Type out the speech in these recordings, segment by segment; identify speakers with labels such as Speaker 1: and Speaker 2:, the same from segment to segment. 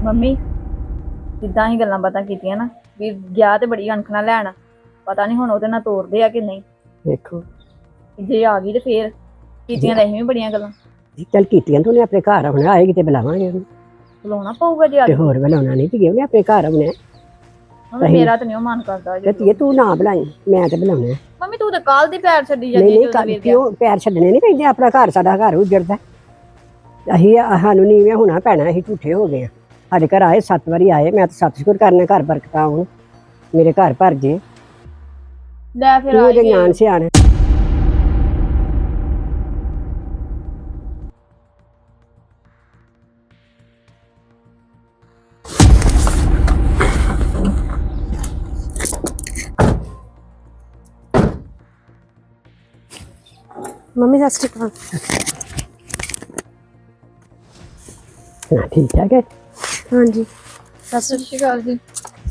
Speaker 1: Mummy ਜਿੱਦਾਂ ਹੀ ਗੱਲਾਂ ਬਾਤਾਂ ਕੀਤੀਆਂ ਨਾ ਵੀ ਗਿਆ ਤੇ ਬੜੀ ਅਣਖ ਨਾਲ ਲੈਣ ਪਤਾ ਨਹੀਂ ਹੁਣ ਉਹਦੇ ਨਾਲ ਤੋਰਦੇ ਆ ਕਿ ਨਹੀਂ।
Speaker 2: ਵੇਖੋ
Speaker 1: ਜੇ ਆ ਗਈ ਤੇ ਫੇਰ ਕੀਤੀਆਂ ਤਾਂ ਅਸੀਂ ਵੀ ਬੜੀਆਂ ਗੱਲਾਂ।
Speaker 2: ਚੱਲ ਕੀਤੀਆਂ ਤੂੰ ਆਪਣੇ ਘਰ ਆਉਣਾ, ਆਏਗੀ ਤੇ ਬੁਲਾਵਾਂਗੇ ਉਹਨੂੰ।
Speaker 1: ਬੁਲਾਉਣਾ ਪਊਗਾ ਜੇ ਆ
Speaker 2: ਤੇ
Speaker 1: ਗਈ।
Speaker 2: ਹੋਰ ਬੁਲਾਉਣਾ ਨਹੀਂ ਤੇ ਉਹਨੇ ਆਪਣੇ ਘਰ ਆਉਣਾ।
Speaker 1: ਮੰਮੀ ਮੇਰਾ ਤਾਂ ਨਹੀਂ ਉਹ ਮਨ ਕਰਦਾ
Speaker 2: ਤੇ ਧੀਏ ਤੂੰ ਨਾ ਬੁਲਾਈ, ਮੈਂ ਤੇ ਬੁਲਾਉਣਾ।
Speaker 1: ਮੰਮੀ ਤੂੰ ਤਾਂ ਕੱਲ ਦੀ ਪੈਰ ਛੱਡੀ
Speaker 2: ਨਹੀਂ
Speaker 1: ਜਾਂਦੀ
Speaker 2: ਨਹੀਂ ਕਿਉਂ ਪੈਰ ਛੱਡਣੇ ਨਹੀਂ ਪੈਂਦੇ, ਆਪਣਾ ਘਰ ਸਾਡਾ ਘਰ ਉੱਜੜਦਾ। ਅਸੀਂ ਸਾਨੂੰ ਨੀਵੇਂ ਹੋਣਾ ਪੈਣਾ, ਅਸੀਂ ਝੂਠੇ ਹੋ ਗਏ ਆ। ਸਾਡੇ ਘਰ ਆਏ 7 ਵਾਰੀ ਆਏ, ਮੈਂ ਤਾਂ ਸਤਿ ਕਰਨਾ ਘਰ ਬਰਕਤਾਂ ਆਉਣ, ਮੇਰੇ ਘਰ ਭਰ ਜੇ।
Speaker 1: ਲੈ ਫਿਰ
Speaker 2: ਤੂੰ ਉਹਦੇ ਜਾਣ ਸਿਆਣ।
Speaker 3: ਮੰਮੀ ਸਤਿ ਸ਼੍ਰੀ ਅਕਾਲ।
Speaker 2: ਨਾ ਠੀਕ ਠਾਕ ਹੈ।
Speaker 3: ਹਾਂਜੀ
Speaker 1: ਸਤਿ ਸ਼੍ਰੀ ਅਕਾਲ ਜੀ।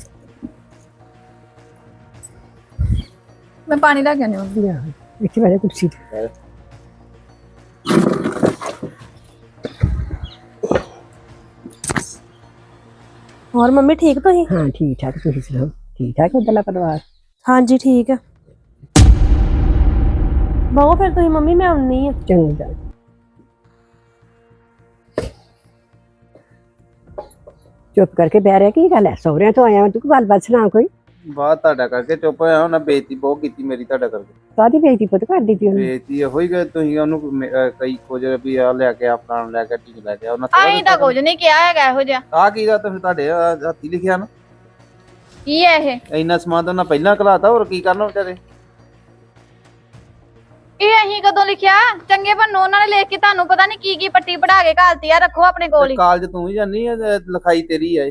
Speaker 1: ਮੈਂ ਪਾਣੀ ਲੈ ਕੇ ਆਉਂਦੀ ਹਾਂ।
Speaker 2: ਲਿਆ ਇੱਥੇ ਬੈਠੇ ਕੁਰਸੀ ਤੇ।
Speaker 3: ਹੋਰ ਮੰਮੀ ਠੀਕ ਤੁਸੀਂ?
Speaker 2: ਹਾਂ ਠੀਕ ਠਾਕ, ਤੁਸੀਂ ਸੁਣਾਓ ਠੀਕ ਠਾਕ ਉੱਧਰਲਾ ਪਰਿਵਾਰ?
Speaker 3: ਹਾਂਜੀ ਠੀਕ ਆ। ਬਹੁ ਫਿਰ ਤੁਸੀਂ ਮੰਮੀ, ਮੈਂ ਆਉਣੀ ਆ।
Speaker 2: ਚੰਗਾ ਚੁੱਪ ਕਰਕੇ ਬਹਿ ਰਿਹਾ, ਕੀ ਗੱਲ ਹੈ? ਸਹੁਰਿਆਂ ਤੋਂ ਆਇਆ ਤੂੰ, ਗੱਲਬਾਤ ਸੁਣਾ ਕੋਈ।
Speaker 4: ਬਾਤ ਤੁਹਾਡਾ ਕਰਕੇ ਚੁੱਪ ਹੋਇਆ, ਉਹਨਾਂ ਬੇਇੱਜ਼ਤੀ ਬਹੁਤ ਕੀਤੀ ਮੇਰੀ ਤੁਹਾਡਾ ਕਰਕੇ।
Speaker 2: ਕਾਹਦੀ ਬੇਇੱਜ਼ਤੀ ਪੁੱਤ ਕਰ ਦਿੱਤੀ ਉਹਨੇ?
Speaker 4: ਬੇਇੱਜ਼ਤੀ ਇਹੋ ਹੀ ਕਿ ਤੁਸੀਂ ਉਹਨੂੰ ਕਈ ਕੁਝ ਵੀ ਆ ਲੈ ਕੇ ਆਪਣਾ ਲੈ ਕੇ ਠੀਕ ਲੈ ਕੇ ਉਹਨਾਂ
Speaker 1: ਆਹੀਂ ਤਾਂ ਕੁਝ ਨਹੀਂ ਕਿਹਾ ਹੈਗਾ ਇਹੋ ਜਿਹਾ।
Speaker 4: ਆ ਕੀ ਦਾ ਤੁਸੀਂ ਤੁਹਾਡੇ ਹੱਥੀ ਲਿਖਿਆ ਨਾ?
Speaker 1: ਕੀ ਹੈ ਇਹ?
Speaker 4: ਇੰਨਾ ਸਮਾਨ ਤਾਂ ਉਹਨਾਂ ਪਹਿਲਾਂ ਘਲਾਤਾ, ਹੋਰ ਕੀ ਕਰਨਾ ਵਿਚਾਰੇ?
Speaker 1: ਇਹ ਅਸੀਂ ਕਦੋਂ ਲਿਖਿਆ? ਚੰਗੇ ਬੰਨੋ ਉਹਨਾਂ ਨੇ ਲਿਖ ਕੇ ਤੁਹਾਨੂੰ ਪਤਾ ਨਹੀਂ ਕੀ ਕੀ ਪੱਟੀ ਪੜਾ ਕੇ ਘਾਲਤੀ ਆ। ਰੱਖੋ ਆਪਣੇ ਕੋਲ ਹੀ।
Speaker 4: ਕਾਲਜ ਤੂੰ ਹੀ ਜਾਨੀ ਆ, ਲਿਖਾਈ ਤੇਰੀ ਆ।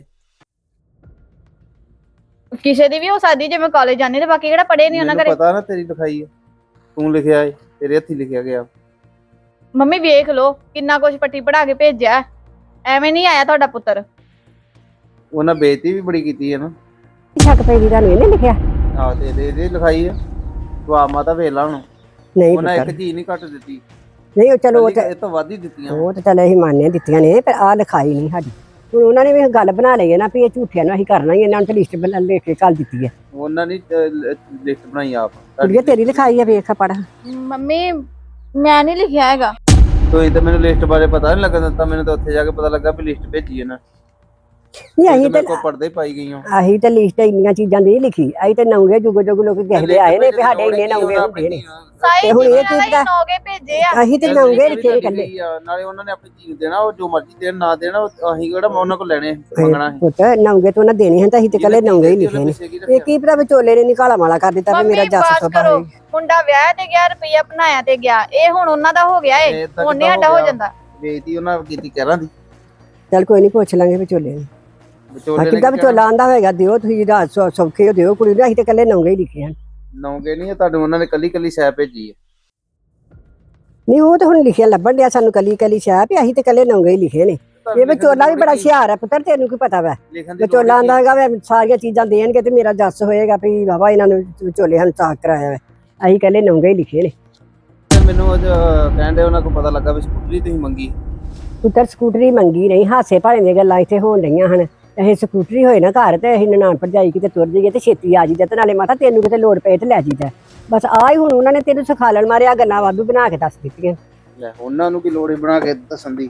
Speaker 1: ਕਿਸੇ ਦੀ ਵੀ ਹੋ ਸਕਦੀ ਜੇ ਮੈਂ ਕਾਲਜ ਜਾਣੀ ਤੇ ਬਾਕੀ ਕਿਹੜਾ ਪੜੇ ਨਹੀਂ ਉਹਨਾਂ
Speaker 4: ਮੈਨੂੰ
Speaker 1: ਘਰੇ।
Speaker 4: ਪਤਾ ਨਾ ਤੇਰੀ ਲਿਖਾਈ ਆ, ਤੂੰ ਲਿਖਿਆ ਏ, ਤੇਰੇ ਹੱਥੀ ਲਿਖਿਆ ਗਿਆ।
Speaker 1: ਮੰਮੀ ਵੇਖ ਲੋ ਕਿੰਨਾ ਕੁਝ ਪੱਟੀ ਪੜਾ ਕੇ ਭੇਜਿਆ, ਐਵੇਂ ਨਹੀਂ ਆਇਆ ਤੁਹਾਡਾ ਪੁੱਤਰ।
Speaker 4: ਉਹਨਾਂ ਬੇਇੱਜ਼ਤੀ ਵੀ ਬੜੀ ਕੀਤੀ ਹੈ ਨਾ।
Speaker 2: ਸ਼ੱਕ ਪਈ ਦੀ ਤੁਹਾਨੂੰ ਇਹਨੇ ਲਿਖਿਆ?
Speaker 4: ਆਹ ਤੇ ਇਹਦੇ ਲਿਖਾਈ ਆ। ਤੂੰ ਆ ਮਾਤਾ ਵੇਖ ਲਾ ਹੁਣ,
Speaker 2: ਨਹੀਂ
Speaker 4: ਉਹਨਾਂ
Speaker 2: ਪੁੱਤਰ,
Speaker 4: ਇੱਕ ਚੀਜ਼ ਨਹੀਂ ਘੱਟ ਦਿੱਤੀ,
Speaker 2: ਨਹੀਂ ਉਹ ਚਲੋ ਉਹ
Speaker 4: ਇਹ ਤੋਂ ਵੱਧ ਹੀ ਦਿੱਤੀਆਂ।
Speaker 2: ਉਹ ਤਾਂ ਚੱਲ ਅਸੀਂ ਮੰਨਦੇ ਦਿੱਤੀਆਂ ਨੇ, ਪਰ ਆਹ ਲਿਖਾਈ ਨਹੀਂ ਸਾਡੀ। ਹੁਣ ਉਹਨਾਂ ਨੇ ਵੀ ਗੱਲ ਬਣਾ ਲਈ ਹੈ ਨਾ ਵੀ ਇਹ ਝੂਠਿਆਂ ਨੂੰ ਅਸੀਂ ਕਰਨਾ ਹੀ, ਇਹਨਾਂ ਨੂੰ ਤਾਂ ਲਿਸਟ ਲੈ ਕੇ ਘੱਲ ਦਿੱਤੀ ਹੈ।
Speaker 4: ਉਹਨਾਂ ਨੇ ਲਿਸਟ ਬਣਾਈ ਆਪ।
Speaker 2: ਕੁੜੀਏ ਤੇਰੀ ਲਿਖਾਈ ਹੈ, ਵੇਖ ਪੜ।
Speaker 1: ਮੰਮੀ ਮੈਂ ਨਹੀਂ ਲਿਖਿਆ ਹੈਗਾ।
Speaker 4: ਤੁਸੀਂ ਤਾਂ ਮੈਨੂੰ ਲਿਸਟ ਬਾਰੇ ਪਤਾ ਨਹੀਂ ਲੱਗਣ ਦਿੱਤਾ, ਮੈਨੂੰ ਤਾਂ ਉੱਥੇ ਜਾ ਕੇ ਪਤਾ ਲੱਗਾ ਵੀ ਲਿਸਟ ਭੇਜੀ ਇਹਨਾਂ
Speaker 2: ਨਹੀਂ ਅਸੀਂ
Speaker 4: ਮੇਰੇ ਕੋਲ ਪੜਦੇ ਪਾਈ ਗਈਆਂ।
Speaker 2: ਅਸੀਂ ਤਾਂ ਲਿਸਟ ਇੰਨੀਆਂ ਚੀਜ਼ਾਂ ਨਹੀਂ ਲਿਖੀ, ਅਸੀਂ ਤਾਂ ਨੌਂਗੇ ਜੁਗ ਜੁਗ ਲੋਕ ਕਹਿੰਦੇ ਆਏ ਨੇ ਵੀ ਸਾਡੇ ਇੰਨੇ ਨੌਂਗੇ ਹੁੰਦੇ ਨੇ।
Speaker 1: ਸਾਈ
Speaker 2: ਹੁਣ ਇਹ
Speaker 1: ਜੀ
Speaker 2: ਚੀਜ਼ ਦਾ
Speaker 1: ਨੋਗੇ ਭੇਜੇ ਆ।
Speaker 2: ਅਸੀਂ ਤੇ ਨੌਂਗੇ ਲਿਖੇ ਨੇ ਕੱਲੇ।
Speaker 4: ਨਾਲੇ ਉਹਨਾਂ ਨੇ ਆਪਣੀ ਚੀਜ਼ ਦੇਣਾ, ਉਹ ਜੋ ਮਰਜ਼ੀ ਦੇਣ ਨਾ ਦੇਣਾ, ਅਸੀਂ ਕਿਹੜਾ ਉਹਨਾਂ ਕੋਲ ਲੈਣੇ ਮੰਗਣਾ ਹੈ।
Speaker 2: ਪੁੱਤ ਨੌਂਗੇ ਤੋਂ ਉਹਨਾਂ ਦੇਣੇ ਹਨ ਤਾਂ ਅਸੀਂ ਤੇ ਕੱਲੇ ਨੌਂਗੇ ਹੀ ਲਿਖੇ ਨੇ। ਇਹ ਕੀ ਪਤਾ ਵਿਚੋਲੇ ਨੇ ਨਿਕਾਲਾ ਮਾਲਾ ਕਰ ਦਿੱਤਾ ਵੀ ਮੇਰਾ ਜੱਸ ਸੋਭਾ ਹੈ।
Speaker 1: ਮੁੰਡਾ ਵਿਆਹ ਤੇ ਗਿਆ, ਰੁਪਈਆ ਬਣਾਇਆ ਤੇ ਗਿਆ, ਇਹ ਹੁਣ ਉਹਨਾਂ ਦਾ ਹੋ ਗਿਆ ਏ, ਹੁਣ ਨਹੀਂ ਸਾਡਾ ਹੋ ਜਾਂਦਾ।
Speaker 4: ਬੇਇੱਜ਼ਤੀ ਉਹਨਾਂ ਕੀਤੀ ਕਹਿਰਾਂ ਦੀ।
Speaker 2: ਚੱਲ ਕੋਈ ਨਹੀਂ ਪੁੱਛ ਲਾਂਗੇ ਵਿਚੋਲੇ ਨੂੰ।
Speaker 4: ਵਿਚੋਲੇ
Speaker 2: ਕਿੱਦਾਂ ਵਿਚੋਲਾ ਆਂਦਾ ਹੋਏਗਾ ਦਿਓ ਤੁਸੀਂ ਰਾਤ ਸੌਖੇ ਹੋ ਦਿਓ ਕੁੜੀ ਨੂੰ, ਅਸੀਂ ਤੇ ਕੱਲੇ ਨੌਂਗੇ ਹੀ ਲਿਖੇ ਹਨ।
Speaker 4: ਨੌਂਗੇ ਨਹੀਂ, ਤੁਹਾਨੂੰ ਉਹਨਾਂ ਨੇ ਕੱਲੀ ਕੱਲੀ ਸ਼ੈ ਭੇਜੀ ਹੈ।
Speaker 2: ਨਹੀਂ ਉਹ ਤਾਂ ਹੁਣ ਲਿਖਿਆ ਲੱਭਣ ਡਿਆ ਸਾਨੂੰ ਕੱਲੀ ਕੱਲੀ ਸ਼ਾਹ ਵੀ ਅਸੀਂ ਤੇ ਕੱਲੇ ਨੌਂਗੇ ਹੀ ਲਿਖੇ ਨੇ। ਇਹ ਵਿਚੋਲਾ ਵੀ ਬੜਾ ਹੁਸ਼ਿਆਰ ਹੈ ਪੁੱਤਰ, ਤੈਨੂੰ ਕੀ ਪਤਾ ਵਾ? ਵਿਚੋਲਾ ਆਂਦਾ ਹੈਗਾ ਵੀ ਸਾਰੀਆਂ ਚੀਜ਼ਾਂ ਦੇਣਗੇ ਤੇ ਮੇਰਾ ਜੱਸ ਹੋਏਗਾ ਵੀ ਬਾਬਾ ਇਹਨਾਂ ਨੂੰ ਵਿਚੋਲੇ ਹਨ ਸਾਖ ਕਰਾਇਆ ਵਾ। ਅਸੀਂ ਕੱਲੇ ਨੌਂਗੇ ਹੀ ਲਿਖੇ ਨੇ।
Speaker 4: ਮੈਨੂੰ ਉਹ ਕਹਿੰਦੇ ਉਹਨਾਂ ਕੋਲ ਪਤਾ ਲੱਗਾ ਵੀ ਸਕੂਟਰੀ ਤੁਸੀਂ ਮੰਗੀ।
Speaker 2: ਪੁੱਤਰ ਸਕੂਟਰੀ ਮੰਗੀ ਨਹੀਂ, ਹਾਸੇ ਭਾਲੇ ਦੀਆਂ ਗੱਲਾਂ ਇੱਥੇ ਹੋਣ ਰਹੀਆਂ ਹਨ। ਇਹ ਸਕੂਟਰੀ ਹੋਏ ਨਾ ਘਰ ਤੇ ਅਸੀਂ ਨਨਾਣ ਭਰਜਾਈ ਕਿਤੇ ਤੁਰ ਜਾਈਏ ਤੇ ਛੇਤੀ ਆ ਜਾਈਦਾ, ਤੇ ਨਾਲੇ ਮਾਤਾ ਤੈਨੂੰ ਕਿਤੇ ਲੋੜ ਪਏ ਤੇ ਲੈ ਜਾਈਦਾ। ਬਸ ਆ ਹੀ ਹੁਣ ਉਹਨਾਂ ਨੇ ਤੈਨੂੰ ਸਿਖਾਲਣ ਮਾਰਿਆ ਗੱਲਾਂ ਵਾਧੂ ਬਣਾ ਕੇ ਦੱਸ ਦਿੱਤੀਆਂ।
Speaker 4: ਲੈ ਉਹਨਾਂ ਨੂੰ ਕੀ ਲੋੜ ਹੀ ਬਣਾ ਕੇ ਦੱਸਣ ਦੀ।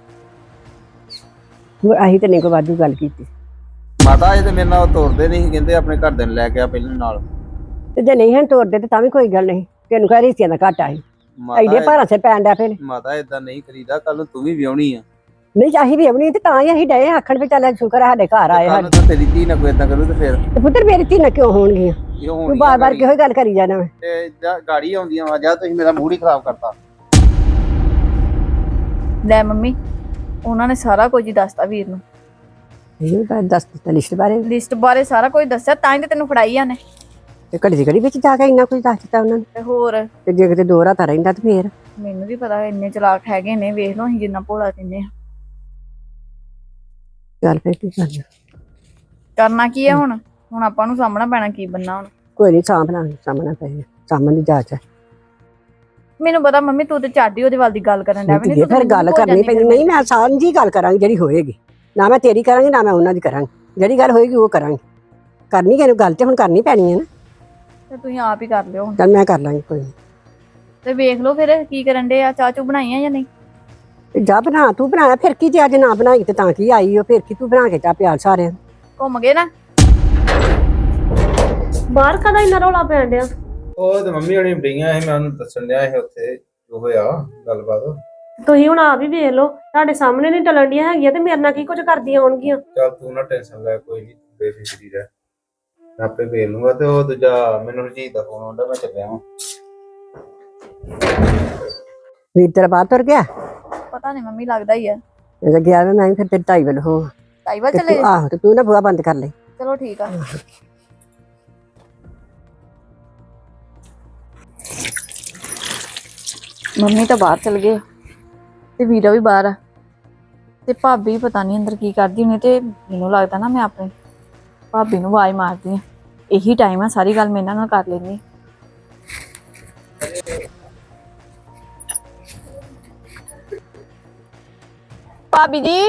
Speaker 2: ਅਸੀਂ ਤੇ ਨਹੀਂ ਕੋਈ ਵਾਧੂ ਗੱਲ ਕੀਤੀ।
Speaker 4: ਮਾਤਾ ਇਹ ਤੇ ਮੇਰੇ ਨਾਲ ਤੋਰਦੇ ਨਹੀਂ ਸੀ, ਕਹਿੰਦੇ ਆਪਣੇ ਘਰ ਦੇ ਨੂੰ ਲੈ ਕੇ ਆ ਪਹਿਲਾਂ ਨਾਲ।
Speaker 2: ਤੇ ਜੇ ਨਹੀਂ ਹਨ ਤੋਰਦੇ ਤੇ ਤਾਂ ਵੀ ਕੋਈ ਗੱਲ ਨਹੀਂ, ਤੈਨੂੰ ਕਹਿ ਰਿਸ਼ਤਿਆਂ ਦਾ ਘਾਟਾ ਸੀ। ਐਡੇ ਭਾਰਾਂ ਸਿਰ ਪੈਣ ਡਿਆ ਫਿਰ।
Speaker 4: ਮਾਤਾ ਏਦਾਂ ਨਹੀਂ ਕਰੀਦਾ, ਕੱਲ ਨੂੰ ਤੂੰ ਵੀ ਵਿਆਹਣੀ ਆ।
Speaker 2: ਨਹੀਂ ਚਾਹੀ ਵੀ ਆਉਣੀ ਤੇ ਤਾਂ ਹੀ ਅਸੀਂ ਡਏ ਆਖਣ ਵੀ ਚੱਲ ਸ਼ੁਕਰ ਸਾਡੇ ਘਰ ਆਏ ਹਨ।
Speaker 4: ਤਾਂ ਤੇਰੀ ਧੀ ਨਾ ਕੋਈ ਏਦਾਂ ਕਰੂ ਤੇ ਫਿਰ
Speaker 2: ਤੇ ਪੁੱਤਰ ਮੇਰੀ ਧੀ ਨਾ ਕਿਉਂ ਹੋਣਗੀਆਂ? ਤੂੰ ਬਾਰ-ਬਾਰ ਕਿਹੋ ਗੱਲ ਕਰੀ ਜਾਣਾ ਵਾ?
Speaker 4: ਤੇ ਗਾੜੀ ਆਉਂਦੀਆਂ ਵਾ, ਜਾਂ ਤੁਸੀਂ ਮੇਰਾ ਮੂਡ ਹੀ ਖਰਾਬ ਕਰਤਾ।
Speaker 1: ਲੈ ਮੰਮੀ ਉਹਨਾਂ ਨੇ ਸਾਰਾ ਕੁਝ ਹੀ ਦੱਸਤਾ ਵੀਰ ਨੂੰ।
Speaker 2: ਇਹ ਬਾਤ ਦੱਸ ਦਿੱਤਾ ਲਿਸਟ ਬਾਰੇ।
Speaker 1: ਲਿਸਟ ਬਾਰੇ ਸਾਰਾ ਕੁਝ ਦੱਸਿਆ, ਤਾਂ ਹੀ ਤੇ ਤੈਨੂੰ ਫੜਾਈ ਆਨੇ।
Speaker 2: ਤੇ ਘੜੀ ਦੀ ਘੜੀ ਵਿੱਚ ਜਾ ਕੇ ਇੰਨਾ ਕੁਝ ਦੱਸ ਦਿੱਤਾ ਉਹਨਾਂ ਨੇ।
Speaker 1: ਤੇ ਹੋਰ
Speaker 2: ਤੇ ਜੇ ਕਿਤੇ ਦੋ ਰਾਤਾਂ ਰਹਿੰਦਾ ਤੇ ਫੇਰ?
Speaker 1: ਮੈਨੂੰ ਵੀ ਪਤਾ ਇੰਨੇ ਚਲਾਕ ਹੈਗੇ ਨੇ, ਵੇਖ ਲਓ ਅਸੀਂ ਜਿੰਨਾ ਭੋਲਾ ਕਹਿੰਦੇ ਆ।
Speaker 2: ਚੱਲ ਫੇਰ ਕੀ ਕਰਨਾ?
Speaker 1: ਕਰਨਾ ਕੀ ਹੈ ਹੁਣ ਆਪਾਂ ਨੂੰ ਸਾਹਮਣਾ ਪੈਣਾ ਕੀ ਬੰਨਾ ਹੁਣ।
Speaker 2: ਕੋਈ ਨਹੀਂ ਸਾਹਮਣਾ ਪਏ, ਸਾਹਮਣੇ ਦੀ ਜਾਂਚ ਹੈ।
Speaker 1: ਮੈਨੂੰ ਪਤਾ ਮੰਮੀ ਤੂੰ ਤੇ ਝਾਡੀ ਉਹਦੇ ਵੱਲ ਦੀ ਗੱਲ ਕਰਨ ਡਿਆ ਵੀ
Speaker 2: ਫਿਰ ਗੱਲ ਕਰਨੀ ਪੈਂਦੀ। ਨਹੀਂ ਮੈਂ ਸਾਂਝੀ ਗੱਲ ਕਰਾਂਗੀ ਜਿਹੜੀ ਹੋਏਗੀ। ਨਾ ਮੈਂ ਤੇਰੀ ਕਰਾਂਗੀ ਨਾ ਮੈਂ ਉਹਨਾਂ ਦੀ ਕਰਾਂਗੀ, ਜਿਹੜੀ ਗੱਲ ਹੋਏਗੀ ਉਹ ਕਰਾਂਗੀ। ਕਰਨੀ ਕਿਹਨੂੰ ਗੱਲ ਤੇ ਹੁਣ ਕਰਨੀ ਪੈਣੀ ਹੈ ਨਾ।
Speaker 1: ਤੇ ਤੁਸੀਂ ਆਪ ਹੀ ਕਰ ਲਿਓ ਹੁਣ।
Speaker 2: ਚੱਲ ਮੈਂ ਕਰ ਲਾਂਗੀ ਕੋਈ ਨੀ।
Speaker 1: ਤੇ ਵੇਖ ਲਓ ਫਿਰ ਕੀ ਕਰਨ ਦੇ ਆ, ਚਾਹ ਚੂ ਬਣਾਈ ਆ ਜਾਂ ਨਹੀਂ?
Speaker 2: ਤੇ ਜਾ ਬਣਾ, ਤੂੰ ਬਣਾਇਆ ਫਿਰ ਕੀ, ਜੇ ਅੱਜ ਨਾ ਬਣਾਈ ਤੇ ਤਾਂ ਕੀ ਆਈ ਉਹ, ਫਿਰ ਕੀ ਤੂੰ ਬਣਾ ਕੇ ਚਾਹ ਪਿਆਲ ਸਾਰਿਆਂ ਨੂੰ।
Speaker 1: ਘੁੰਮ ਗਏ ਨਾ?
Speaker 3: ਬਾਹਰ ਕਦਾ ਇੰਨਾ ਰੌਲਾ ਪੈਣ ਡਿਆ?
Speaker 5: ਉਹ ਤੇ ਮੰਮੀ ਹੋਣੀ ਬੜੀਆਂ ਸੀ, ਮੈਂ ਉਹਨੂੰ ਦੱਸਣ ਡਿਆ ਸੀ ਉੱਥੇ ਜੋ ਹੋਇਆ ਗੱਲਬਾਤ।
Speaker 3: ਤੁਸੀਂ ਹੁਣ ਆਪ ਹੀ ਵੇਖ ਲਓ, ਤੁਹਾਡੇ ਸਾਹਮਣੇ ਨਹੀਂ ਟਲਣ ਡੀਆਂ ਹੈਗੀਆਂ ਤੇ ਮੇਰੇ ਨਾਲ ਕੀ ਕੁਝ ਕਰਦੀਆਂ ਹੋਣਗੀਆਂ।
Speaker 5: ਚੱਲ ਤੂੰ ਨਾ ਟੈਨਸ਼ਨ ਲੈ, ਕੋਈ ਨਹੀਂ, ਬੇਫਿਕਰੀ ਰਹਿ, ਮੈਂ ਆਪੇ ਵੇਖ ਲੂੰਗਾ। ਤੇ ਉਹ ਦੂਜਾ ਮੈਨੂੰ ਰਜੀਤ ਦਾ ਫੋਨ ਆਉਂਦਾ, ਮੈਂ ਚੱਲਿਆ ਵਾਂ।
Speaker 2: ਵੀਰ ਤੇਰਾ ਬਾਹਰ ਤੁਰ ਗਿਆ?
Speaker 1: ਪਤਾ ਨਹੀਂ ਮੰਮੀ, ਲੱਗਦਾ ਹੀ ਆ।
Speaker 2: ਜੇ ਗਿਆ ਵੇ ਮੈਂ ਵੀ ਫਿਰ ਤੇਰੇ ਢਾਈ ਵੱਲ ਹੋ
Speaker 1: ਟਾਈਵਾ
Speaker 2: ਤੇ
Speaker 1: ਚਲੇ
Speaker 2: ਤੂੰ ਆਹੋ, ਤੇ ਤੂੰ ਨਾ ਬੂਹਾ ਬੰਦ ਕਰ ਲੈ।
Speaker 1: ਚਲੋ ਠੀਕ ਆ। ਮੰਮੀ ਤਾਂ ਬਾਹਰ ਚਲ ਗਏ ਤੇ ਵੀਰਾ ਵੀ ਬਾਹਰ ਆ, ਤੇ ਭਾਬੀ ਪਤਾ ਨਹੀਂ ਅੰਦਰ ਕੀ ਕਰਦੀ ਹੋਣੀ। ਤੇ ਮੈਨੂੰ ਲੱਗਦਾ ਨਾ ਮੈਂ ਆਪਣੀ ਭਾਬੀ ਨੂੰ ਆਵਾਜ਼ ਮਾਰਦੀ ਆ, ਇਹੀ ਟਾਈਮ ਆ, ਸਾਰੀ ਗੱਲ ਮੈਂ ਇਹਨਾਂ ਨਾਲ ਕਰ ਲੈਂਦੀ। ਭਾਬੀ ਜੀ,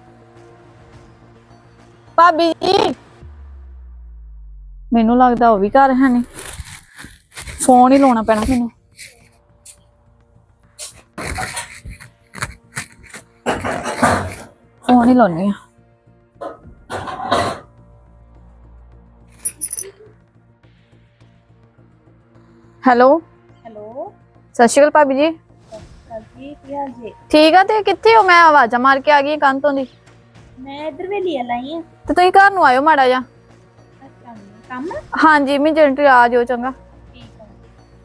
Speaker 1: ਭਾਬੀ ਜੀ, ਮੈਨੂੰ ਲੱਗਦਾ ਉਹ ਵੀ ਘਰ ਹੈ ਨਹੀਂ, ਫੋਨ ਹੀ ਲਾਉਣਾ ਪੈਣਾ ਮੈਨੂੰ। ਫੋਨ ਹੀ ਲਾਉਣੀ ਆ। ਹੈਲੋ
Speaker 6: ਹੈਲੋ
Speaker 1: ਸਤਿ ਸ਼੍ਰੀ ਅਕਾਲ ਭਾਬੀ ਜੀ।
Speaker 6: ਜੀ, ਕੀ ਹਾਲ ਜੀ?
Speaker 1: ਠੀਕ ਆ, ਤੇ ਕਿੱਥੇ ਹੋ? ਮੈਂ ਆਵਾਜ਼ਾਂ ਮਾਰ ਕੇ ਆ ਗਈ ਕੰਨ ਤੋਂ ਦੀ।
Speaker 6: ਮੈਂ ਇੱਧਰ ਵੇਲੀ ਲਾਈ ਆ।
Speaker 1: ਤੇ ਤੁਸੀਂ ਘਰ ਨੂੰ ਆਇਓ ਮਾੜਾ ਜਿਹਾ।
Speaker 6: ਅੱਛਾ, ਕੰਮ?
Speaker 1: ਹਾਂਜੀ ਇਮੀਡੀਏਟਲੀ ਆ ਜਾਓ, ਚੰਗਾ।
Speaker 6: ਠੀਕ ਆ।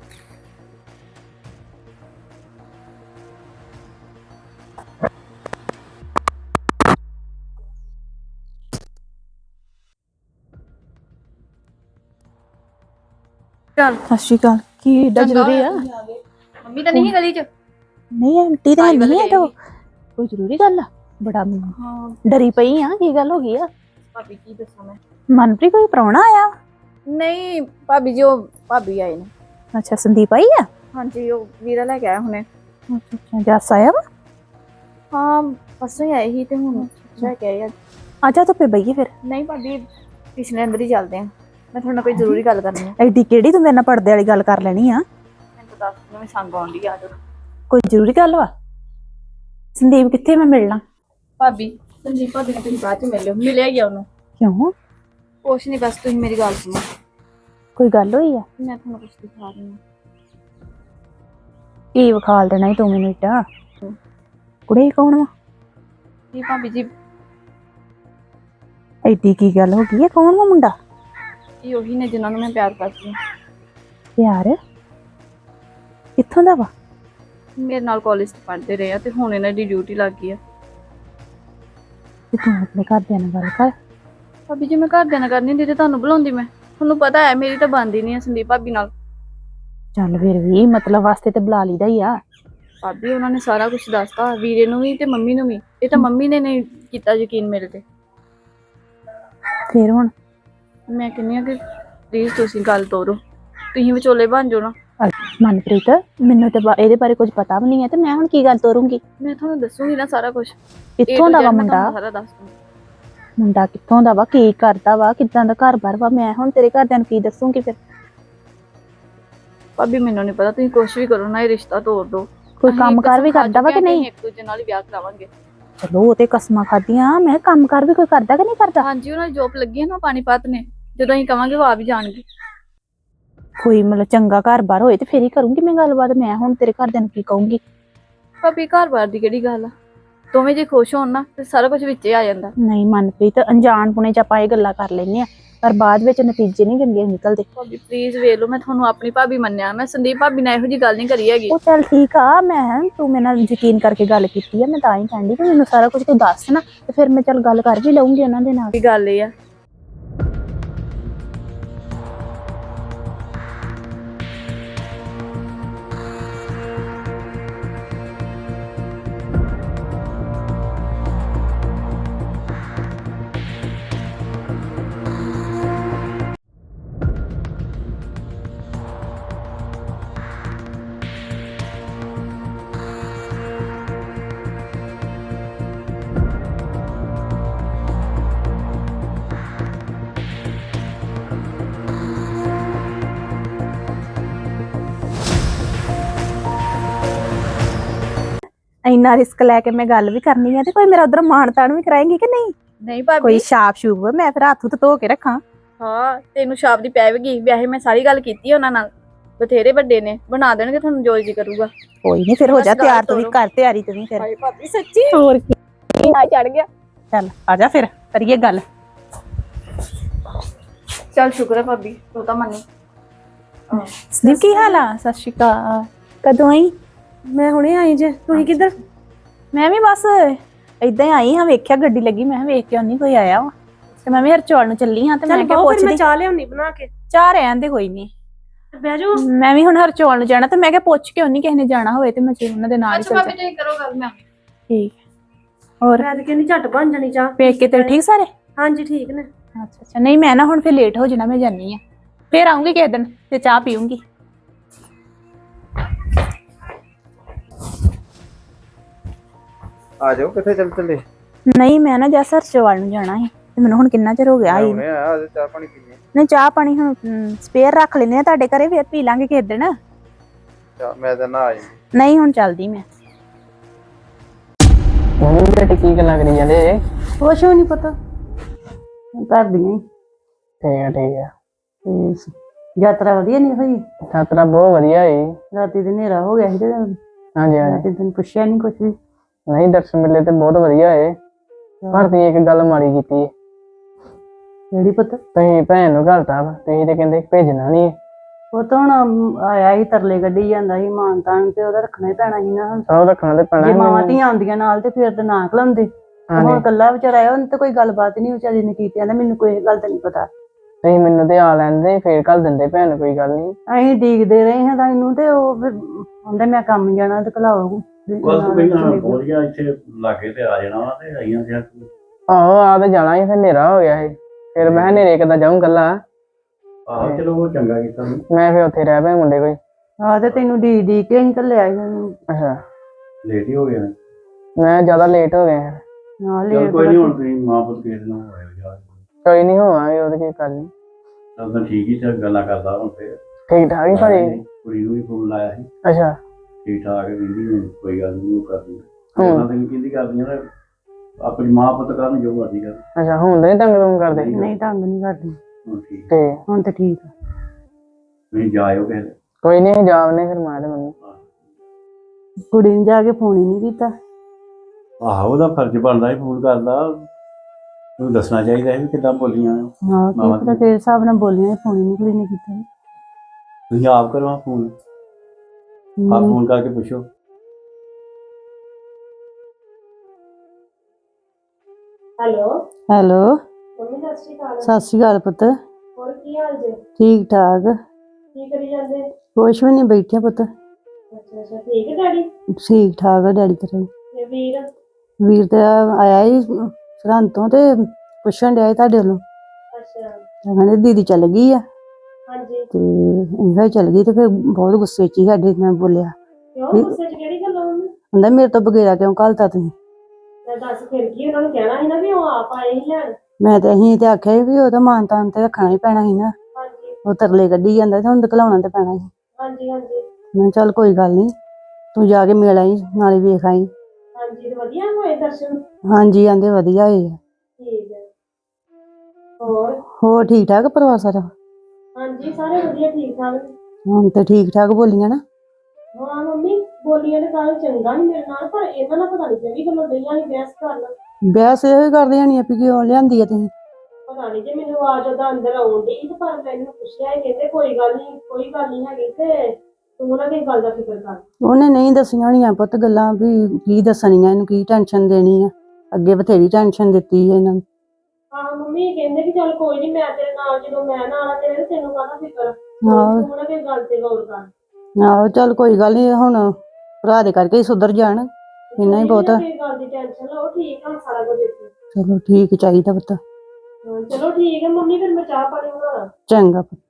Speaker 1: ਚੱਲ
Speaker 7: ਸਤਿ ਸ਼੍ਰੀ ਅਕਾਲ। ਕੀ ਏਡਾ ਜ਼ਰੂਰੀ ਆ?
Speaker 1: ਮੰਮੀ ਤਾਂ ਨਹੀਂ ਗਲੀ 'ਚ?
Speaker 7: ਨਹੀਂ ਆਂਟੀ ਤਾਂ
Speaker 1: ਭਾਈ ਵੱਲ
Speaker 7: ਨਹੀਂ ਹੈ,
Speaker 1: ਗਏ
Speaker 7: ਤਾਂ
Speaker 1: ਸੀ।
Speaker 7: ਕੋਈ ਜ਼ਰੂਰੀ ਗੱਲ ਆ? ਬੜਾ
Speaker 1: ਹਾਂ
Speaker 7: ਡਰੀ ਪਈ ਆ, ਕੀ ਗੱਲ ਹੋ ਗਈ ਆ?
Speaker 1: ਭਾਬੀ, ਕੀ ਦੱਸਾਂ ਮੈਂ?
Speaker 7: ਮਨਪ੍ਰੀਤ ਕੋਈ ਪ੍ਰਾਹੁਣਾ ਆਇਆ?
Speaker 1: ਨਹੀਂ ਭਾਬੀ ਜੀ, ਉਹ ਭਾਬੀ ਆਏ ਨੇ।
Speaker 7: ਅੱਛਾ, ਸੰਦੀਪ ਆਈ ਆ?
Speaker 1: ਹਾਂਜੀ, ਉਹ ਵੀਰਾ ਲੈ ਕੇ ਆਇਆ ਹੁਣੇ।
Speaker 7: ਅੱਛਾ ਅੱਛਾ, ਜੱਸ ਆਇਆ ਵਾ?
Speaker 1: ਹਾਂ ਪਰਸੋਂ ਹੀ ਆਏ ਸੀ ਤੇ ਹੁਣ ਲੈ ਕੇ ਆਏ ਆ।
Speaker 7: ਆ ਜਾ ਧੁੱਪੇ ਬਈਏ ਫਿਰ।
Speaker 1: ਨਹੀਂ ਭਾਬੀ, ਪਿਛਲੇ ਅੰਦਰ ਹੀ ਚੱਲਦੇ ਆ, ਮੈਂ ਤੁਹਾਡੇ ਨਾਲ ਕੋਈ ਜ਼ਰੂਰੀ ਗੱਲ ਕਰਨੀ ਹੈ।
Speaker 7: ਐਡੀ ਕਿਹੜੀ ਤੂੰ ਮੇਰੇ ਨਾਲ ਪਰਦੇ ਵਾਲੀ ਗੱਲ ਕਰ ਲੈਣੀ ਆ?
Speaker 1: ਮੈਨੂੰ ਤਾਂ ਦੱਸ ਮੈਂ ਸੰਗ ਆਉਂਦੀ ਆ ਜਾਓ।
Speaker 7: ਕੋਈ ਜ਼ਰੂਰੀ ਗੱਲ ਵਾ? ਸੰਦੀਪ ਕਿੱਥੇ, ਮੈਂ ਮਿਲਣਾ?
Speaker 1: ਭਾਬੀ, ਸੰਦੀਪ ਭਾਬੀ ਨੂੰ ਤੁਸੀਂ ਬਾਅਦ ਚ ਮਿਲਿਓ, ਮਿਲਿਆ ਹੀ ਆ ਉਹਨੂੰ।
Speaker 7: ਕਿਉਂ,
Speaker 1: ਕੁਛ ਨਹੀਂ, ਬਸ ਤੁਸੀਂ ਮੇਰੀ ਗੱਲ ਸੁਣੋ।
Speaker 7: ਕੋਈ ਗੱਲ ਹੋਈ ਆ?
Speaker 1: ਮੈਂ ਤੁਹਾਨੂੰ ਕੁਛ ਦਿਖਾ ਰਹੀ ਹਾਂ।
Speaker 7: ਕੀ ਵਿਖਾਲ ਦੇਣਾ ਈ ਤੂੰ ਮੈਨੂੰ ਏਡਾ? ਕੁੜੇ ਕੌਣ ਵਾ?
Speaker 1: ਜੀ ਭਾਬੀ ਜੀ,
Speaker 7: ਐਡੀ ਕੀ ਗੱਲ ਹੋ ਗਈ ਹੈ? ਕੌਣ ਵਾ ਮੁੰਡਾ?
Speaker 1: ਇਹ ਉਹੀ ਨੇ ਜਿਨ੍ਹਾਂ ਨੂੰ ਮੈਂ ਪਿਆਰ ਕਰਦੀ ਹਾਂ।
Speaker 7: ਪਿਆਰ ਕਿੱਥੋਂ ਦਾ ਵਾ?
Speaker 1: ਮੇਰੇ ਨਾਲ ਕਾਲਜ 'ਚ ਪੜ੍ਹਦੇ ਰਹੇ ਆ ਤੇ ਹੁਣ ਇਹਨਾਂ ਦੀ ਡਿਊਟੀ ਲੱਗ ਗਈ ਆ।
Speaker 7: ਤੇ ਤੂੰ ਆਪਣੇ ਘਰਦਿਆਂ ਨਾਲ ਗੱਲ ਕਰ।
Speaker 1: ਭਾਬੀ ਜੀ, ਮੈਂ ਘਰਦਿਆਂ ਨਾਲ ਕਰਨੀ ਹੁੰਦੀ ਤੇ ਤੁਹਾਨੂੰ ਬੁਲਾਉਂਦੀ ਮੈਂ। ਤੁਹਾਨੂੰ ਪਤਾ ਹੈ ਮੇਰੀ ਤਾਂ ਬਣਦੀ ਨਹੀਂ ਹੈ ਸੰਦੀਪ ਭਾਬੀ ਨਾਲ।
Speaker 7: ਚੱਲ ਫਿਰ ਵੀ ਮਤਲਬ ਵਾਸਤੇ ਤੇ ਬੁਲਾ ਲਈਦਾ ਹੀ ਆ।
Speaker 1: ਭਾਬੀ ਉਹਨਾਂ ਨੇ ਸਾਰਾ ਕੁਝ ਦੱਸਤਾ, ਵੀਰੇ ਨੂੰ ਵੀ ਤੇ ਮੰਮੀ ਨੂੰ ਵੀ। ਇਹ ਤਾਂ ਮੰਮੀ ਨੇ ਨਹੀਂ ਕੀਤਾ ਯਕੀਨ ਮੇਰੇ ਤੇ।
Speaker 7: ਫਿਰ ਹੁਣ
Speaker 1: ਮੈਂ ਕਹਿੰਦੀ ਆ ਕਿ ਪਲੀਜ਼ ਤੁਸੀਂ ਗੱਲ ਤੋਰੋ, ਤੁਸੀਂ ਵਿਚੋਲੇ ਬਣ ਜਾਓ ਨਾ।
Speaker 7: ਮਨਪ੍ਰੀਤ, ਮੈਨੂੰ ਤੇ ਇਹਦੇ ਬਾਰੇ ਕੁਝ ਪਤਾ ਵੀ ਨਹੀਂ ਹੈ ਤੇ ਮੈਂ ਹੁਣ ਕੀ ਗੱਲ ਤੋਰੂੰਗੀ?
Speaker 1: ਮੈਂ ਤੁਹਾਨੂੰ ਦੱਸੂਗੀ ਨਾ ਸਾਰਾ ਕੁਝ।
Speaker 7: ਕਿੱਥੋਂ ਦਾ ਵਾ ਮੁੰਡਾ?
Speaker 1: ਸਾਰਾ ਦੱਸ ਦੂੰਗੀ।
Speaker 7: ਮੁੰਡਾ ਕਿੱਥੋਂ ਦਾ ਵਾ, ਕੀ ਕਰਦਾ ਵਾ, ਕਿੱਦਾਂ ਦਾ ਘਰ-ਬਾਰ ਵਾ? ਮੈਂ ਹੁਣ ਤੇਰੇ ਘਰਦਿਆਂ ਨੂੰ ਕੀ ਦੱਸੂੰਗੀ ਫਿਰ?
Speaker 1: ਭਾਬੀ ਮੈਨੂੰ ਨਹੀਂ ਪਤਾ, ਤੁਸੀਂ ਕੁਛ ਵੀ ਕਰੋ ਨਾ, ਇਹ ਰਿਸ਼ਤਾ ਤੋੜ ਦਿਓ।
Speaker 7: ਕੋਈ ਕੰਮਕਾਰ ਵੀ ਕਰਦਾ ਵਾ ਕਿ ਨਹੀਂ?
Speaker 1: ਇੱਕ ਦੂਜੇ ਨਾਲ ਹੀ ਵਿਆਹ ਕਰਾਵਾਂਗੇ।
Speaker 7: ਚਲੋ ਉਹ ਤੇ ਕਸਮਾਂ ਖਾਧੀਆਂ, ਮੈਂ ਕੰਮਕਾਰ ਵੀ ਕੋਈ ਕਰਦਾ ਕਿ ਨਹੀਂ ਕਰਦਾ?
Speaker 1: ਹਾਂਜੀ, ਉਹਨਾਂ ਦੀ ਜੋਬ ਲੱਗੀ ਹੈ ਨਾ ਪਾਣੀਪਤ ਨੇ, ਜਦੋਂ ਅਸੀਂ ਕਵਾਂਗੇ ਉਹ ਆ ਵੀ ਜਾਣਗੇ।
Speaker 7: ਕੋਈ ਮਤਲਬ ਚੰਗਾ ਘਰ-ਬਾਰ ਹੋਏ ਤੇ ਫੇਰ ਹੀ ਕਰੂੰਗੀ ਮੈਂ ਗੱਲਬਾਤ। ਮੈਂ ਹੁਣ ਤੇਰੇ ਘਰਦਿਆਂ ਨੂੰ ਕੀ ਕਹੂੰਗੀ?
Speaker 1: ਭਾਬੀ, ਘਰ-ਬਾਰ ਦੀ ਕਿਹੜੀ ਗੱਲ ਆ? ਦੋਵੇਂ ਜੇ ਖੁਸ਼ ਹੋਣ ਨਾ ਤੇ ਸਾਰਾ ਕੁਝ ਵਿੱਚੇ ਆ ਜਾਂਦਾ।
Speaker 7: ਨਹੀਂ ਮਨਪ੍ਰੀਤ, ਅਣਜਾਣ ਪੁਣੇ ਚ ਆਪਾਂ ਇਹ ਗੱਲਾਂ ਕਰ ਲੈਂਦੇ ਆ, ਪਰ ਬਾਅਦ ਵਿੱਚ ਨਤੀਜੇ ਨਹੀਂ ਚੰਗੇ ਨਿਕਲਦੇ।
Speaker 1: ਭਾਬੀ ਪਲੀਜ਼ ਵੇਖ ਲਓ, ਮੈਂ ਤੁਹਾਨੂੰ ਆਪਣੀ ਭਾਬੀ ਮੰਨਿਆ, ਮੈਂ ਸੰਦੀਪ ਭਾਬੀ ਨਾਲ ਇਹੋ ਜਿਹੀ ਗੱਲ ਨਹੀਂ ਕਰੀ ਹੈਗੀ।
Speaker 7: ਉਹ ਚੱਲ ਠੀਕ ਆ, ਮੈਂ ਤੂੰ ਮੇਰੇ ਨਾਲ ਯਕੀਨ ਕਰਕੇ ਗੱਲ ਕੀਤੀ ਆ, ਮੈਂ ਤਾਂ ਹੀ ਕਹਿੰਦੀ ਕਿ ਮੈਨੂੰ ਸਾਰਾ ਕੁਝ ਤੂੰ ਦੱਸ ਨਾ, ਤੇ ਫਿਰ ਮੈਂ ਚੱਲ ਗੱਲ ਕਰ ਵੀ ਲਊਂਗੀ ਉਹਨਾਂ ਦੇ ਨਾਲ।
Speaker 1: ਕੀ ਗੱਲ ਇਹ ਆ,
Speaker 7: ਇੰਨਾ ਰਿਸਕ ਲੈ ਕੇ ਮੈਂ ਗੱਲ ਵੀ ਕਰਨੀ ਆ ਤੇ ਕੋਈ ਮੇਰਾ ਉਧਰ ਮਾਣ ਤਾਣ ਵੀ ਕਰਾਏਂਗੀ ਕਿ ਨਹੀਂ?
Speaker 1: ਨਹੀਂ
Speaker 7: ਕੋਈ
Speaker 1: ਭਾਬੀ
Speaker 7: ਛਾਪ ਛੂਪ ਮੈਂ ਫਿਰ ਹੱਥ ਧੋ ਕੇ ਰੱਖਾਂ।
Speaker 1: ਹਾਂ ਤੈਨੂੰ ਸ਼ਾਪ ਦੀ ਪੈ ਵੀ ਗਈ ਵੈਸੇ ਮੈਂ ਸਾਰੀ ਗੱਲ ਕੀਤੀ ਉਹਨਾਂ ਨਾਲ, ਬਥੇਰੇ ਵੱਡੇ ਨੇ, ਬਣਾ ਦੇਣਗੇ ਤੁਹਾਨੂੰ ਜੋ ਜੀ ਕਰੂਗਾ।
Speaker 7: ਕੋਈ ਨਹੀਂ ਫਿਰ ਹੋ
Speaker 1: ਬਸ
Speaker 7: ਜਾ
Speaker 1: ਗੱਲ
Speaker 7: ਤਿਆਰ, ਤੂੰ ਵੀ
Speaker 1: ਤੋਰੋ।
Speaker 7: ਕਰ ਤਿਆਰੀ ਤੂੰ ਵੀ ਫਿਰ।
Speaker 1: ਹਾਏ ਭਾਬੀ ਸੱਚੀ
Speaker 7: ਹੋਰ ਕੀ ਆ ਚੜ ਗਿਆ। ਚੱਲ ਆ ਜਾ ਫਿਰ ਕਰੀਏ ਗੱਲ।
Speaker 1: ਚੱਲ ਸ਼ੁਕਰ ਹੈ ਭਾਬੀ ਤੂੰ ਤਾਂ ਮੰਨੀ।
Speaker 7: ਸੰਦੀਪ ਕੀ ਹਾਲ ਆ? ਸਤਿ ਸ਼੍ਰੀ ਅਕਾਲ। ਕਦੋਂ ਆਈ?
Speaker 3: ਮੈਂ ਹੁਣੇ ਆਈ ਜੇ, ਤੁਸੀਂ ਕਿੱਧਰ?
Speaker 7: ਮੈਂ ਵੀ ਬਸ ਏਦਾਂ ਹੀ ਆਈ ਹਾਂ, ਵੇਖਿਆ ਗੱਡੀ ਲੱਗੀ, ਮੈਂ ਕਿਹਾ ਵੇਖ ਕੇ ਆਉਣੀ ਕੋਈ ਆਇਆ ਵਾ ਤੇ ਮੈਂ ਵੀ ਹਰਚੌਲ ਨੂੰ ਚੱਲੀ ਹਾਂ ਤੇ
Speaker 3: ਚੱਲ
Speaker 7: ਮੈਂ ਕਿਹਾ
Speaker 3: ਬਹੁਤ ਫਿਰ ਮੈਂ
Speaker 7: ਪੁੱਛਦੀ।
Speaker 3: ਚਾਹ ਲਿਆਉਣੀ ਬਣਾ ਕੇ।
Speaker 7: ਚਾਹ ਰਹਿਣ ਦੇ ਕੋਈ ਨਹੀਂ,
Speaker 3: ਬਹਿ ਜਾਓ।
Speaker 7: ਮੈਂ ਵੀ ਹੁਣ ਹਰਚੌਲ ਨੂੰ ਜਾਣਾ ਤੇ ਮੈਂ ਕਿਹਾ ਪੁੱਛ ਕੇ ਆਉਣੀ ਕਿਸੇ ਨੇ ਜਾਣਾ ਹੋਵੇ ਤੇ ਮੈਂ ਉਹਨਾਂ ਦੇ ਨਾਲ ਹੀ
Speaker 1: ਅੱਛਾ
Speaker 7: ਚੱਲ
Speaker 1: ਭਾਬੀ ਤੁਸੀਂ ਕਰੋ ਗੱਲ, ਮੈਂ
Speaker 7: ਠੀਕ। ਹੋਰ
Speaker 3: ਮੈਂ ਤਾਂ ਕਹਿੰਦੀ ਝੱਟ ਬਣ ਜਾਣੀ ਚਾਹ।
Speaker 7: ਵੇਖ ਕੇ ਤੇ ਠੀਕ ਸਾਰੇ?
Speaker 3: ਹਾਂਜੀ ਠੀਕ ਨੇ।
Speaker 7: ਅੱਛਾ ਅੱਛਾ, ਨਹੀਂ ਮੈਂ ਨਾ ਹੁਣ ਫਿਰ ਲੇਟ ਹੋ ਜਾਣਾ, ਮੈਂ ਜਾਨੀ ਆ ਫਿਰ ਆਉਂਗੀ ਕਿਸੇ ਦਿਨ ਤੇ ਚਾਹ ਪੀਉਂਗੀ।
Speaker 5: ਆ ਜਾਓ, ਕਿੱਥੇ ਚੱਲ ਚੱਲੇ?
Speaker 7: ਨਹੀਂ ਮੈਂ ਨਾ ਜਸ ਹਰਚੌਲ ਨੂੰ ਜਾਣਾ ਸੀ ਤੇ ਮੈਨੂੰ ਹੁਣ ਕਿੰਨਾ ਚਿਰ ਹੋ ਗਿਆ ਆਈ ਨੂੰ।
Speaker 5: ਹੁਣੇ ਆ ਜਾ, ਚਾਹ ਪਾਣੀ ਪੀਨੇ।
Speaker 7: ਨਹੀਂ ਚਾਹ ਪਾਣੀ ਹੁਣ ਸਪੇਅਰ ਰੱਖ ਲੈਨੇ ਆ ਤੁਹਾਡੇ ਘਰੇ, ਫਿਰ ਪੀ ਲਾਂਗੇ ਕਿਸੇ ਦਿਨ।
Speaker 5: ਮੈਂ ਤਾਂ ਨਾ ਆਈ।
Speaker 7: ਨਹੀਂ ਹੁਣ ਚੱਲਦੀ ਮੈਂ।
Speaker 8: ਮੰਮੀ ਬੇਟੇ ਕੀ ਗੱਲਾਂ ਕਰੀ ਜਾਂਦੇ?
Speaker 2: ਕੁਛ ਵੀ ਨਹੀਂ ਪਤਾ ਘਰ ਦੀਆਂ ਹੀ।
Speaker 8: ਠੀਕ ਆ।
Speaker 2: ਤੇ ਯਾਤਰਾ ਵਧੀਆ ਨਹੀਂ ਹੋਈ?
Speaker 8: ਯਾਤਰਾ ਬਹੁਤ ਵਧੀਆ ਹੋਈ।
Speaker 2: ਰਾਤੀ ਤੇ ਹਨੇਰਾ ਹੋ ਗਿਆ ਸੀ ਤੇ
Speaker 8: ਹਾਂਜੀ ਹਾਂਜੀ।
Speaker 2: ਰਾਤੀ ਤੈਨੂੰ ਪੁੱਛਿਆ ਨਹੀਂ ਕੁਛ ਵੀ।
Speaker 8: ਨਹੀਂ ਦਰਸ਼ਨ ਮੇਲੇ ਤੇ ਬਹੁਤ ਵਧੀਆ ਹੋਏ, ਪਰ ਤੁਸੀਂ ਇੱਕ ਗੱਲ ਮਾੜੀ ਕੀਤੀ।
Speaker 2: ਕਿਹੜੀ ਪੁੱਤ?
Speaker 8: ਤੁਸੀਂ ਭੈਣ ਨੂੰ ਘਲਤਾ ਵਾ, ਤੁਸੀਂ ਤੇ ਕਹਿੰਦੇ ਭੇਜਣਾ ਨਹੀਂ।
Speaker 2: ਉਹ ਤਾਂ ਹੁਣ ਆਇਆ ਸੀ ਤਰਲੇ ਕੱਢੀ ਜਾਂਦਾ ਸੀ ਮਾਨ ਤਾਨ ਤੇ ਉਹਦਾ ਰੱਖਣਾ ਹੀ ਪੈਣਾ ਸੀ ਨਾ।
Speaker 8: ਸਭ ਰੱਖਣਾ ਤੇ ਪੈਣਾ
Speaker 2: ਜੇ
Speaker 8: ਸੀ
Speaker 2: ਮਾਵਾਂ
Speaker 8: ਮੈਨੂੰ।
Speaker 2: ਧੀਆਂ ਆਉਂਦੀਆਂ ਨਾਲ ਤੇ ਫਿਰ ਤੇ ਨਾ ਖਲਾਉਂਦੇ। ਹੁਣ
Speaker 8: ਹਾਂਜੀ,
Speaker 2: ਕੱਲਾ ਵਿਚਾਰਾ ਆਇਆ, ਉਹਨੇ ਤਾਂ ਕੋਈ ਗੱਲਬਾਤ ਨਹੀਂ ਵਿਚਾਰੀ ਨੇ ਕੀਤੀ। ਕਹਿੰਦਾ ਮੈਨੂੰ ਕੋਈ ਗੱਲ ਤਾਂ ਨਹੀਂ ਪਤਾ।
Speaker 8: ਤੁਸੀਂ ਮੈਨੂੰ ਤੇ ਆ ਲੈਂਦੇ ਫੇਰ ਘੱਲ ਦਿੰਦੇ ਭੈਣ ਨੂੰ, ਕੋਈ ਗੱਲ ਨਹੀਂ।
Speaker 2: ਅਸੀਂ ਡੀਕਦੇ ਰਹੇ ਹਾਂ ਤੈਨੂੰ ਤੇ ਉਹ ਫਿਰ ਕਹਿੰਦਾ ਮੈਂ ਕੰਮ ਜਾਣਾ ਤੇ ਘਲਾਓ।
Speaker 9: ਬਸ ਪਹਿਲਾਂ ਪਹੁੰਚ ਗਿਆ ਇੱਥੇ ਲਾਗੇ ਤੇ ਆ ਜਾਣਾ ਵਾ ਤੇ ਆਈਆਂ ਸੀ।
Speaker 8: ਆਹੋ ਆ ਤੇ ਜਾਣਾ ਸੀ, ਫਿਰ ਹਨੇਰਾ ਹੋ ਗਿਆ ਸੀ। ਫਿਰ ਮੈਂ ਹਨੇਰੇ ਕਿੱਦਾਂ ਜਾਊਂ ਕੱਲਾ।
Speaker 9: ਆਹ ਚਲੋ ਉਹ ਚੰਗਾ ਕੀਤਾ।
Speaker 8: ਮੈਂ ਫਿਰ ਉੱਥੇ ਰਹਿ ਪਿਆ ਮੁੰਡੇ ਕੋਈ।
Speaker 2: ਹਾਂ ਤੇ ਤੈਨੂੰ ਡੀ ਕੇ ਅਸੀਂ ਘੱਲਿਆ ਸੀ।
Speaker 8: ਅੱਛਾ,
Speaker 9: ਲੇਟ ਹੀ ਹੋ ਗਿਆ।
Speaker 8: ਮੈਂ ਜ਼ਿਆਦਾ ਲੇਟ ਹੋ ਗਿਆ।
Speaker 2: ਨਾਲ
Speaker 9: ਚਲ ਕੋਈ ਨਹੀਂ, ਹੁਣ ਤੁਸੀਂ ਮਾਂ ਪੁੱਤ ਕਿਸੇ ਨਾਲ ਹੋਇਆ ਜਾ।
Speaker 8: ਕੋਈ ਨਹੀਂ ਹੋਵਾਂਗੇ, ਉਹਦੇ ਕੀ ਗੱਲ ਨੀ।
Speaker 9: ਚੱਲ ਤਾਂ ਠੀਕ ਹੀ, ਚੱਲ ਗੱਲਾਂ ਕਰਦਾ ਹੁਣ ਤੇ।
Speaker 8: ਠੀਕ ਠਾਕ ਹੀ ਭਾਜੀ?
Speaker 9: ਕੁੜੀ ਨੂੰ ਵੀ ਫੋਨ ਲਾਇਆ ਸੀ,
Speaker 8: ਅੱਛਾ
Speaker 9: ਠੀਕ ਠਾਕ ਕਹਿੰਦੀ ਹੁਣ ਕੋਈ ਗੱਲ ਨਹੀਂ ਉਹ ਕਰਦੀ। ਉਹਨਾਂ ਤੈਨੂੰ ਕਹਿੰਦੀ ਕਰਦੀਆਂ ਨਾ ਆਪਣੀ ਮਾਂ ਪੁੱਤ ਕਰਨ ਜੋ ਮਰਜ਼ੀ ਕਰ।
Speaker 8: ਅੱਛਾ, ਹੁਣ ਤਾਂ ਨਹੀਂ ਤੰਗ ਤੁੰਗ ਕਰਦੇ?
Speaker 2: ਨਹੀਂ ਤੰਗ ਨਹੀਂ ਕਰਦੀ
Speaker 9: ਹੁਣ ਠੀਕ
Speaker 8: ਤੇ
Speaker 2: ਹੁਣ ਤੇ ਠੀਕ ਆ।
Speaker 9: ਤੁਸੀਂ ਜਾਇਓ ਕਿਸੇ ਦਿਨ।
Speaker 8: ਕੋਈ ਨਹੀਂ ਜਾਵਨੇ ਫਿਰ ਮਾਂ ਤੇ ਮੰਮੀ।
Speaker 2: ਕੁੜੀ ਨੇ ਜਾ ਕੇ ਫੋਨ ਹੀ ਨਹੀਂ ਕੀਤਾ।
Speaker 9: ਆਹੋ ਉਹਦਾ ਫਰਜ਼ ਬਣਦਾ ਸੀ ਫੋਨ ਕਰਦਾ, ਉਹਨੂੰ ਦੱਸਣਾ ਚਾਹੀਦਾ ਸੀ ਵੀ ਕਿੱਦਾਂ ਬੋਲੀਆਂ।
Speaker 2: ਹਾਂ ਕੀ ਪਤਾ ਤੇਰੇ ਹਿਸਾਬ ਨਾਲ ਬੋਲੀਆਂ, ਫੋਨ ਹੀ ਨਹੀਂ ਕੁੜੀ ਨੇ ਕੀਤਾ।
Speaker 9: ਤੁਸੀਂ ਆਪ ਕਰੋ ਫੋਨ, ਆਪ ਫੋਨ ਕਰਕੇ ਪੁੱਛੋ।
Speaker 3: ਹੈਲੋ
Speaker 2: ਹੈਲੋ
Speaker 3: ਮੰਮੀ ਸਤਿ ਸ਼੍ਰੀ ਅਕਾਲ।
Speaker 2: ਸਤਿ ਸ਼੍ਰੀ ਅਕਾਲ ਪੁੱਤ।
Speaker 3: ਹੋਰ ਕੀ ਹਾਲ ਜੇ?
Speaker 2: ਠੀਕ ਠਾਕ।
Speaker 3: ਕੀ ਕਰੀ ਜਾਂਦੇ?
Speaker 2: ਕੁਛ ਵੀ ਨਹੀਂ, ਬੈਠੇ ਪੁੱਤ।
Speaker 3: ਅੱਛਾ ਅੱਛਾ, ਠੀਕ ਹੈ ਡੈਡੀ?
Speaker 2: ਠੀਕ ਠਾਕ ਆ ਡੈਡੀ ਤੇਰਾ।
Speaker 3: ਤੇ ਵੀਰ?
Speaker 2: ਵੀਰ ਤੇਰਾ ਆਇਆ ਹੀ ਸਰਹੰਦ ਤੋਂ ਤੇ ਪੁੱਛਣ ਡਿਆ ਸੀ ਤੁਹਾਡੇ ਵੱਲੋਂ।
Speaker 3: ਅੱਛਾ
Speaker 2: ਕਹਿੰਦੇ ਦੀਦੀ ਚੱਲ ਗਈ ਆ
Speaker 3: ਹਾਂਜੀ।
Speaker 2: ਤੇ ਇਹ ਚੱਲ ਗਈ ਤੇ ਫਿਰ ਬਹੁਤ ਗੁੱਸੇ 'ਚ ਹੀ ਸਾਡੇ ਨਾਲ ਬੋਲਿਆ।
Speaker 3: ਕਿਉਂ ਗੁੱਸੇ 'ਚ ਕਿਹੜੀ ਗੱਲ ਉਹਨੂੰ?
Speaker 2: ਕਹਿੰਦਾ ਮੇਰੇ ਤੋਂ ਬਗੈਰਾ ਕਿਉਂ ਘੱਲਤਾ ਤੁਸੀਂ?
Speaker 3: ਮੈਂ ਦੱਸ ਫਿਰ ਕੀ ਉਹਨਾਂ ਨੂੰ ਕਹਿਣਾ ਸੀ ਨਾ ਵੀ ਉਹ ਆਪ ਆਏ ਹੀ ਲੈਣ।
Speaker 2: ਮੈਂ ਤੇ ਅਸੀਂ ਤੇ ਆਖਿਆ ਸੀ ਵੀ ਉਹਦਾ ਮਾਨ ਤਾਨ ਤੇ ਰੱਖਣਾ ਹੀ ਪੈਣਾ ਸੀ ਨਾ।
Speaker 3: ਹਾਂਜੀ
Speaker 2: ਉਹ ਤਰਲੇ ਕੱਢੀ ਜਾਂਦਾ ਤੇ ਹੁਣ ਤਾਂ ਘਲਾਉਣਾ ਤੇ ਪੈਣਾ ਸੀ।
Speaker 3: ਹਾਂਜੀ ਹਾਂਜੀ
Speaker 2: ਮੈਂ ਕਿਹਾ ਚੱਲ ਕੋਈ ਗੱਲ ਨਹੀਂ, ਤੂੰ ਜਾ ਕੇ ਮਿਲ ਆਈ ਨਾਲੇ ਵੇਖ ਆਈ।
Speaker 3: ਹਾਂਜੀ, ਤੇ ਵਧੀਆ ਹੋਏ ਦਰਸ਼ਨ?
Speaker 2: ਹਾਂਜੀ ਆਂਦੇ ਵਧੀਆ ਹੋਏ ਆ।
Speaker 3: ਠੀਕ ਹੈ। ਹੋਰ?
Speaker 2: ਹੋਰ ਠੀਕ ਠਾਕ ਪਰਿਵਾਰ ਸਾਰਾ?
Speaker 3: ਹਾਂਜੀ ਸਾਰੇ ਵਧੀਆ ਠੀਕ ਠਾਕ।
Speaker 2: ਹੁਣ ਤੇ ਠੀਕ ਠਾਕ ਬੋਲੀਆਂ ਨਾ?
Speaker 3: ਹਾਂ ਮੰਮੀ ਬੋਲੀਆਂ ਤੇ ਕੱਲ ਚੰਗਾ ਸੀ ਮੇਰੇ ਨਾਲ, ਪਰ ਇਹਨਾਂ ਨਾਲ ਪਤਾ ਨਹੀਂ ਕਿਹੜੀ ਗੱਲੋਂ ਡਈਆਂ ਸੀ ਬਹਿਸ ਕਰਨ।
Speaker 2: ਬਹਿਸ ਇਹੋ ਹੀ ਕਰਦੇ ਹੋਣੀ ਆ ਵੀ ਕਿਉਂ ਲਿਆਂਦੀ ਆ ਤੁਸੀਂ।
Speaker 3: ਪਤਾ ਨਹੀਂ ਜੇ ਮੈਨੂੰ ਆਵਾਜ਼ ਉਹਦਾ ਅੰਦਰ ਆਉਣ ਡਈ ਤੇ ਪਰ ਮੈਨੂੰ ਪੁੱਛਿਆ ਹੀ ਕਹਿੰਦੇ ਕੋਈ ਗੱਲ ਨਹੀਂ ਹੈਗੀ ਤੇ ਤੂੰ ਨਾ ਕਿਸੇ ਗੱਲ ਦਾ ਫਿਕਰ ਕਰ।
Speaker 2: ਉਹਨੇ ਨਹੀਂ ਦੱਸੀਆਂ ਹੋਣੀਆਂ ਪੁੱਤ ਗੱਲਾਂ, ਵੀ ਕੀ ਦੱਸਣੀਆਂ ਇਹਨੂੰ, ਕੀ ਟੈਨਸ਼ਨ ਦੇਣੀ ਆ। ਅੱਗੇ ਬਥੇਰੀ ਟੈਨਸ਼ਨ ਦਿੱਤੀ ਇਹਨਾਂ ਨੂੰ।
Speaker 3: ਹਾਂ ਮੰਮੀ ਕਹਿੰਦੇ ਕਿ ਚੱਲ ਕੋਈ ਨਹੀਂ, ਮੈਂ ਤੇਰੇ ਨਾਲ, ਜਦੋਂ ਮੈਂ ਨਾਲ ਆ ਤੇਰੇ ਤੈਨੂੰ ਕਾਹਦਾ ਫਿਕਰ।
Speaker 2: ਆਹੋ
Speaker 3: ਤੂੰ ਨਾ ਕਿਸੇ ਗੱਲ ਤੇ ਗੌਰ ਕਰ।
Speaker 2: ਆਹੋ ਚੱਲ ਕੋਈ ਗੱਲ ਨਹੀਂ, ਹੁਣ ਭਰਾ ਦੇ ਕਰਕੇ ਹੀ ਸੁਧਰ ਜਾਣ, ਇੰਨਾ ਹੀ ਬਹੁਤ ਆ।
Speaker 3: ਕਿਸੇ ਗੱਲ ਦੀ ਟੈਨਸ਼ਨ ਲਓ, ਠੀਕ ਆ ਸਾਰਾ ਕੁਝ ਇੱਥੇ।
Speaker 2: ਚਲੋ ਠੀਕ ਚਾਹੀਦਾ ਪੁੱਤ।
Speaker 3: ਚਲੋ ਠੀਕ ਹੈ ਮੰਮੀ, ਫਿਰ ਮੈਂ ਚਾਹ ਪਾਣੀ ਬਣਾ ਲਾਂ।
Speaker 2: ਚੰਗਾ ਪੁੱਤ।